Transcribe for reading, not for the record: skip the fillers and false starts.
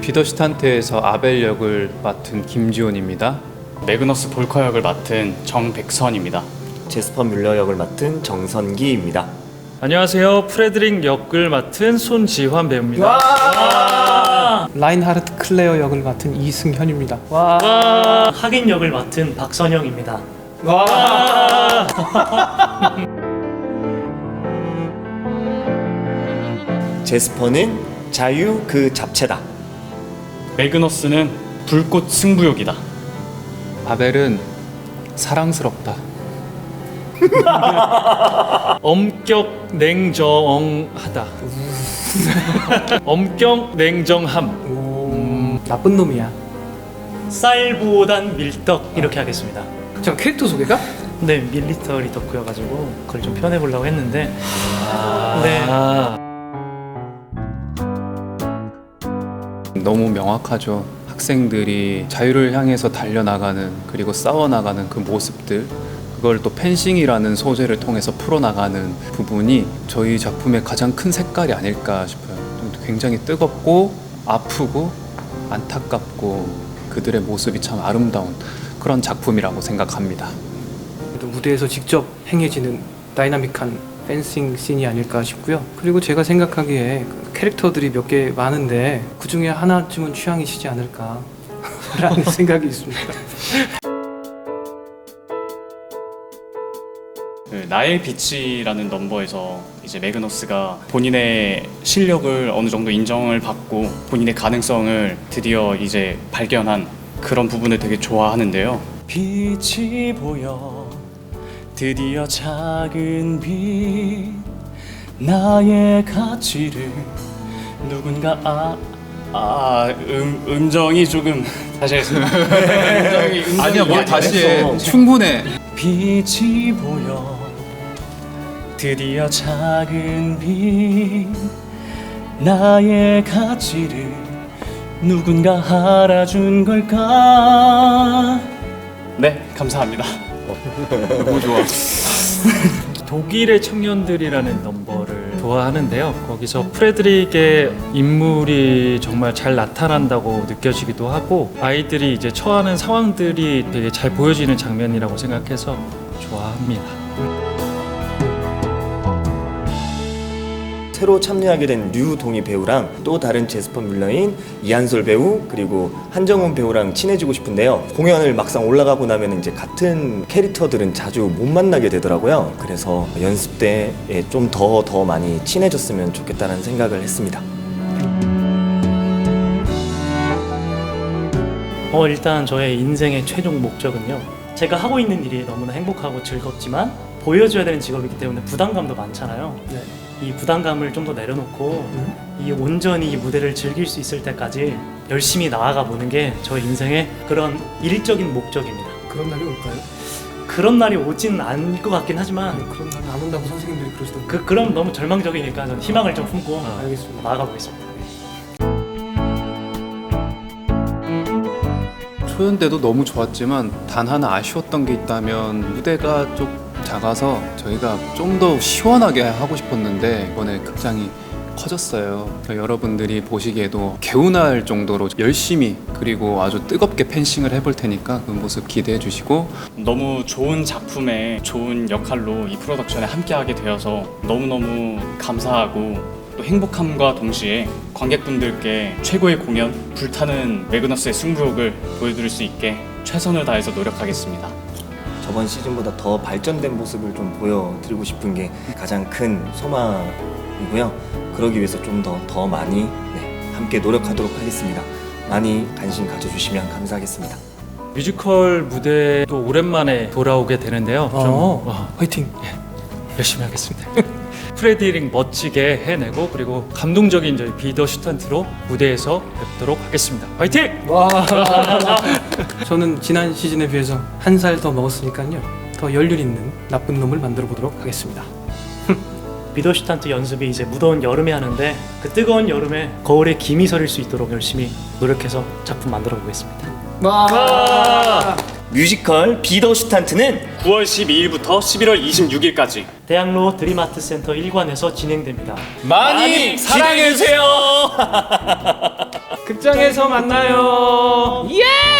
비더슈탄트에서 아벨 역을 맡은 김지훈입니다. 매그너스 볼커 역을 맡은 정백선입니다. 제스퍼 뮬러 역을 맡은 정선기입니다. 안녕하세요. 프레드릭 역을 맡은 손지환 배우입니다. 라인하르트 클레어 역을 맡은 이승현입니다. 하긴 역을 맡은 박선영입니다. 제스퍼는 자유 그 잡채다. 매그너스는 불꽃 승부욕이다. 아벨은 사랑스럽다. 엄격 냉정하다. 엄격 냉정함. 나쁜 놈이야. 쌀보단 밀떡 이렇게 하겠습니다. 자, 캐릭터 소개가? 네, 밀리터리 덕후여가지고 그걸 좀 표현해보려고 했는데 네. 너무 명확하죠. 학생들이 자유를 향해서 달려나가는, 그리고 싸워나가는 그 모습들, 그걸 또 펜싱이라는 소재를 통해서 풀어나가는 부분이 저희 작품의 가장 큰 색깔이 아닐까 싶어요. 굉장히 뜨겁고 아프고 안타깝고 그들의 모습이 참 아름다운 그런 작품이라고 생각합니다. 무대에서 직접 행해지는 다이나믹한 펜싱 씬이 아닐까 싶고요. 그리고 제가 생각하기에 그 캐릭터들이 몇 개 많은데 그 중에 하나쯤은 취향이시지 않을까 라는 생각이 있습니다. 나의 빛이라는 넘버에서 이제 매그너스가 본인의 실력을 어느 정도 인정을 받고 본인의 가능성을 드디어 이제 발견한 그런 부분을 되게 좋아하는데요. 빛이 보여 드디어 작은 빛 나의 가치를 누군가 음정이 조금 다시 하겠습니다. 아니야, 뭐 다시 해. 충분해. 빛이 보여 드디어 작은 빛 나의 가치를 누군가 알아준 걸까. 네, 감사합니다. 너무 좋아. 독일의 청년들이라는 넘버를 좋아하는데요. 거기서 프레드릭의 인물이 정말 잘 나타난다고 느껴지기도 하고 아이들이 이제 처하는 상황들이 되게 잘 보여지는 장면이라고 생각해서 좋아합니다. 새로 참여하게 된 류동희 배우랑 또 다른 제스퍼 뮬러인 이한솔 배우 그리고 한정훈 배우랑 친해지고 싶은데요. 공연을 막상 올라가고 나면 이제 같은 캐릭터들은 자주 못 만나게 되더라고요. 그래서 연습 때에 좀 더 많이 친해졌으면 좋겠다는 생각을 했습니다. 일단 저의 인생의 최종 목적은요. 제가 하고 있는 일이 너무나 행복하고 즐겁지만 보여줘야 되는 직업이기 때문에 부담감도 많잖아요. 네. 이 부담감을 좀 더 내려놓고 이 온전히 이 무대를 즐길 수 있을 때까지 열심히 나아가 보는 게 저의 인생의 그런 일적인 목적입니다. 그런 날이 올까요? 그런 날이 오진 않을 것 같긴 하지만 그런 날은 안 온다고 선생님들이 그러시던데. 그럼 너무 절망적이니까 저는 희망을 좀 품고 알겠습니다. 나아가 보겠습니다. 초연 때도 너무 좋았지만 단 하나 아쉬웠던 게 있다면 무대가 좀 작아서 저희가 좀 더 시원하게 하고 싶었는데 이번에 극장이 커졌어요. 여러분들이 보시기에도 개운할 정도로 열심히 그리고 아주 뜨겁게 펜싱을 해볼 테니까 그 모습 기대해 주시고, 너무 좋은 작품에 좋은 역할로 이 프로덕션에 함께하게 되어서 너무너무 감사하고 또 행복함과 동시에 관객분들께 최고의 공연, 불타는 매그너스의 승부욕을 보여드릴 수 있게 최선을 다해서 노력하겠습니다. 저번 시즌보다 더 발전된 모습을 좀 보여드리고 싶은 게 가장 큰 소망이고요. 그러기 위해서 좀 더 많이 함께 노력하도록 하겠습니다. 많이 관심 가져주시면 감사하겠습니다. 뮤지컬 무대도 오랜만에 돌아오게 되는데요. 화이팅! 열심히 하겠습니다. 프레드릭 멋지게 해내고 그리고 감동적인 저희 비더슈탄트로 무대에서 뵙도록 하겠습니다. 화이팅! 저는 지난 시즌에 비해서 한 살 더 먹었으니까요. 더 연륜 있는 나쁜 놈을 만들어 보도록 하겠습니다. 비더슈탄트 연습이 이제 무더운 여름에 하는데 그 뜨거운 여름에 거울에 김이 서릴 수 있도록 열심히 노력해서 작품 만들어 보겠습니다. 뮤지컬 비더슈탄트는 9월 12일부터 11월 26일까지 대학로 드림아트 센터 1관에서 진행됩니다. 많이 사랑해주세요. 극장에서 만나요. 예!